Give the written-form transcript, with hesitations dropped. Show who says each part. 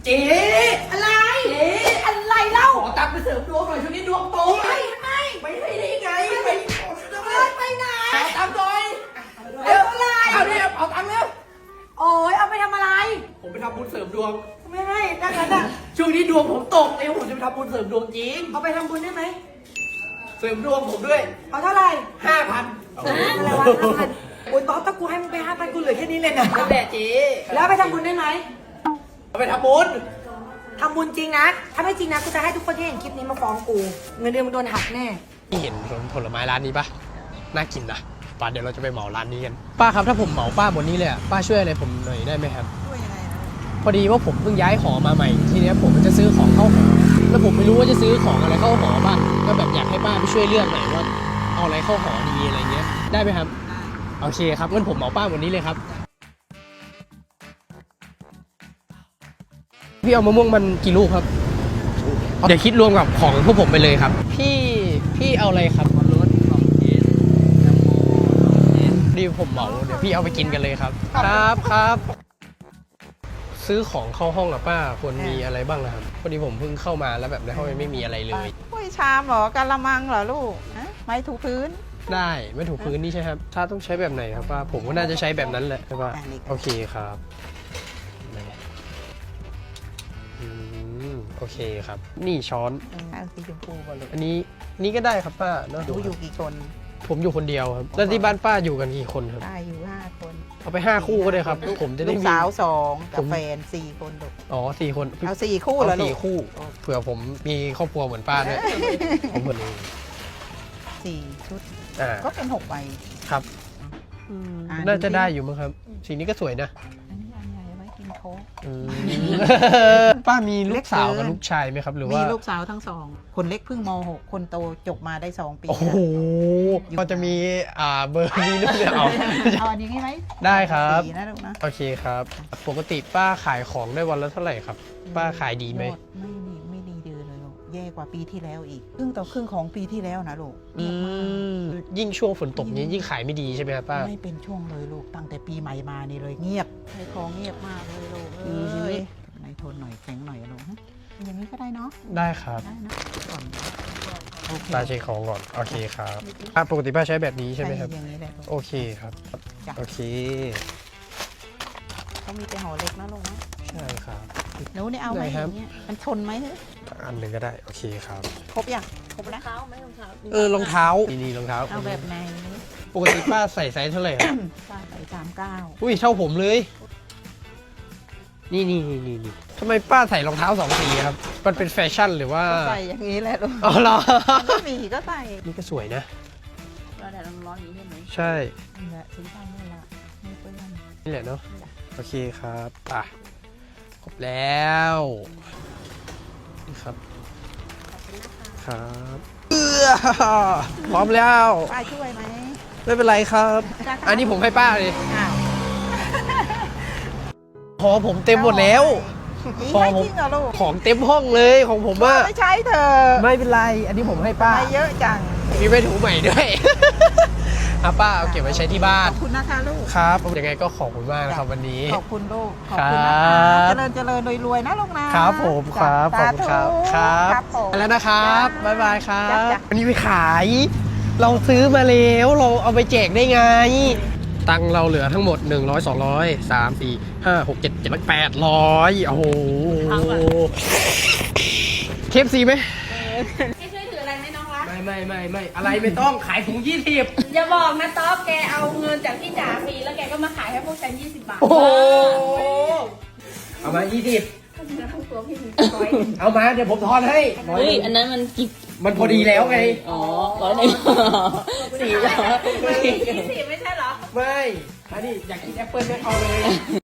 Speaker 1: เจ๊อะไรเจ๊อะไรเล่าขอตังค์ไปเสริมดวงหน่อยช่วงนี้ดวงตกไม่ให้ได้ไงไปไหนขอตังค์หน่อยอะไรเอาเนี่ยเอาตังค์แล้ว
Speaker 2: โอ้ยเอาไปทำอะไร
Speaker 1: ผมไปทำบุญเสริมดวง
Speaker 2: ไม่ให้ดังนั้นอ่ะ
Speaker 1: ช่วงนี้ดวงผมตกผมจะไปทำบุญเสริมดวงจริง
Speaker 2: เอาไปทำบุญได้ไหม
Speaker 1: เสริมดวงผมด้วย
Speaker 2: เอาเท่าไหร่
Speaker 1: 5,000
Speaker 2: อะไรวะ5,000โอ้ยต๊อกถ้ากูให้มึงไป5,000กูเหลือแค่นี้เลยนะ
Speaker 1: นั่นแหละเจ๊
Speaker 2: แล้วไปทำบุญได้ไหม
Speaker 1: เอาไปทำบุญ
Speaker 2: จริงนะถ้าไม่จริงนะกูจะให้ทุกคนที่เห็นคลิปนี้มาฟ้องกูเงินเดือนมึงโดนหักแน่
Speaker 3: พี่เห็นผลไม้ร้านนี้ปะน่ากินนะป้าเดี๋ยวเราจะไปเหมาร้านนี้กันป้าครับถ้าผมเหมาป้าบนนี้เลยอ่ะป้าช่วยอะไรผมหน่อยได้ไหมครับ
Speaker 2: ช่วยยังไง
Speaker 3: พอดีว่าผมเพิ่งย้ายหอมาใหม่ทีนี้ผมจะซื้อของเข้าหอแล้วผมไม่รู้ว่าจะซื้อของอะไรเข้าหอบ้างก็แบบอยากให้ป้าไปช่วยเลือกหน่อยว่าเอาอะไรเข้าหอดีอะไรเงี้ยได้ไหมครับโอเคครับงั้นผมเหมาป้าบนนี้เลยครับพี่เอามะม่วงมันกี่ลูกครับเดี๋ยวคิดรวมกับของพวกผมไปเลยครับพี่เอาอะไรครับรสของกินน้ำโมดีผมเหมาเดี๋ยวพี่เอาไปกินกันเลยครับครับซื้อของเข้าห้องกับป้าควรมีอะไรบ้างนะครับพอดีผมเพิ่งเข้ามาแล้วแบบในห้องไม่มีอะไรเลย
Speaker 4: ถ้วยชามเหรอกะละมังเหรอลูกไม้ถูพื้น
Speaker 3: ได้ไม่ถูพื้นนี่ใช่ครับถ้าต้องใช้แบบไหนครับป้าผมก็น่าจะใช้แบบนั้นแหละครับป้าโอเคครับโอเคครับนี่ช้อน
Speaker 4: สีชมพูก่อนเลย
Speaker 3: อันนี้นี่ก็ได้ครับป้าเนาะ
Speaker 4: อยู่กี่คน
Speaker 3: ผมอยู่คนเดียวครับแล้วที่บ้านป้าอยู่กันกี่คนครับ
Speaker 4: ป้าอยู่5 คน
Speaker 3: เอาไป5 คู่ก็ได้ครับผมจะได้
Speaker 4: ลูกสาว2กับแฟน4 คนลูก
Speaker 3: อ๋อ4 คน
Speaker 4: เอา4 คู่เหรอลูก
Speaker 3: 4 คู่เผื่อผมมีครอบครัวเหมือนป้าด้วยผมเหมือน
Speaker 4: 4 ชุดก็เป็น6 ใบ
Speaker 3: ครับน่าจะได้อยู่มั้งครับสีนี้ก็สวยนะป้ามีลูกสาวกับลูกชายไหมครับหรือว่า
Speaker 4: มีลูกสาวทั้ง2คนเล็กเพิ่งม.6 คนโตจบมาได้2 ปี
Speaker 3: โอ้โหก็จะมีเบอร์นี้ด้วย
Speaker 4: เอาอันนี้ไหม
Speaker 3: ได้ครับ
Speaker 4: นะลูกนะ
Speaker 3: โอเคครับปกติป้าขายของได้วันละเท่าไหร่ครับป้าขายดีไหม
Speaker 4: ไม่ดีเดือนเลยลูกแย่กว่าปีที่แล้วอีกครึ่งต่อครึ่งของปีที่แล้วนะลูก
Speaker 3: ยิ่งช่วงฝนตกนี้ยิ่งขายไม่ดีใช่ไหมครับป้า
Speaker 4: ไม่เป็นช่วงเลยลูกตั้งแต่ปีใหม่มานี่เลยเงียบขายของเงียบมากเลยลูกในทนหน่อยแข็งหน่อยลูกอย่างนี้ก็ได้เนาะ
Speaker 3: ได้ครับ
Speaker 4: ได้นะก่อน
Speaker 3: ป้าเช็คของก่อนโอเคครับปกติป้าใช้แบบนี้ใช่ไหมครับ
Speaker 4: อย่างนี้แหละ
Speaker 3: โอเคครับโอเค
Speaker 4: เขามีแต่ห่อเล็กนะลูกนะ
Speaker 3: ใช่ครับ
Speaker 4: หนูนี่เอาไหมอย่างเงี้ยมันชนไหม
Speaker 3: อันหนึ่งก็ได้โอเคครับ
Speaker 4: ครบยังครบ
Speaker 2: แล้วรองเท้าไหมรองเท้าร
Speaker 3: องเท้านี่รองเท้า
Speaker 4: เอาแบบไหน
Speaker 3: ปกติป้าใส่ไซส์เท่าไหร่
Speaker 4: ป้าใส่39
Speaker 3: อุ้ยเท่าผมเลยนี่ทำไมป้าใส่รองเท้า2 สีครับมันเป็นแฟชั่นหรือว่า
Speaker 4: ใส่อย่างนี้แหละลูก
Speaker 3: อ๋อเหรอ
Speaker 4: มีก็ใส่
Speaker 3: นี่ก็สวยนะ
Speaker 2: ก็แดดร้อนๆอย่างนี้ใช่ไหม
Speaker 3: ใช่
Speaker 4: นี่แหละสีฟ้านี่แหละไม่เปื้อน
Speaker 3: นี่แหละเนาะโอเคครับครบแล้วนี่ครับครับพร้อมแล้ว
Speaker 4: ป้าช่วยไหม
Speaker 3: ไม่เป็นไรครับอันนี้ผมให้ป้าเลยพอผมเต็มหมดแล้ว
Speaker 4: พอผม
Speaker 3: ของเต็มห้องเลยของผมว่า
Speaker 4: ไม่ใช้เธอ
Speaker 3: ไม่เป็นไรอันนี้ผมให้ป้า
Speaker 4: ไม่เยอะจัง
Speaker 3: มีไปถูใหม่ด้วยป้าเอาเก็บไว้ใช้ที่บ้าน
Speaker 4: ขอบคุณนะคะลูก
Speaker 3: ครับยังไงก็ขอบคุณมากนะครับวันนี้
Speaker 4: ขอบคุณลูกขอบคุณนะคะเจริญรวยนะลูกนะครับ
Speaker 3: ผมครับขอบคุณครับแล้วนะครับบ๊ายบายครับวันนี้ไปขายเราซื้อมาแล้วเราเอาไปแจกได้ไงตังเราเหลือทั้งหมด100 200 3 4 5 6 7 7 800โอ้โหเคฟซีไหม
Speaker 2: ให้ช่วยถืออะไรไหมน้องรัก
Speaker 3: ไม่อะไรไม่ต้องขายถุง20
Speaker 2: อย่าบอกนะต๊อบแกเอาเงินจากพี่จ๋าฟรีแล้วแกก็มาขายให้พวกฉัน20 บาท
Speaker 3: โอ้เอามา20
Speaker 2: ตัวพี่
Speaker 3: เอามาเดี๋ยวผมทอนให้
Speaker 2: อันนั้นมันกี่
Speaker 3: มันพอดีแล้วไง
Speaker 2: อ๋อ100400 20ไม่ใช่เหรอ
Speaker 3: ไม่อันนี้อยากกินแอปเปิ้ลไม่เอาเลย